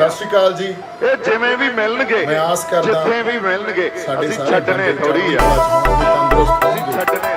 ਸਤਿ ਸ਼੍ਰੀ ਅਕਾਲ ਜੀ। ਇਹ ਜਿਵੇਂ ਵੀ ਮਿਲਣਗੇ, ਮੈਂ ਆਸ ਕਰਦਾ ਜਿੱਥੇ ਵੀ ਮਿਲਣਗੇ, ਸਾਡੇ ਅਸੀਂ ਸਾਰੇ ਛੱਡਣੇ ਬੰਦੇ ਥੋੜੀ ਆ, ਤੰਦਰੁਸਤ ਅਸੀਂ ਛੱਡਣੇ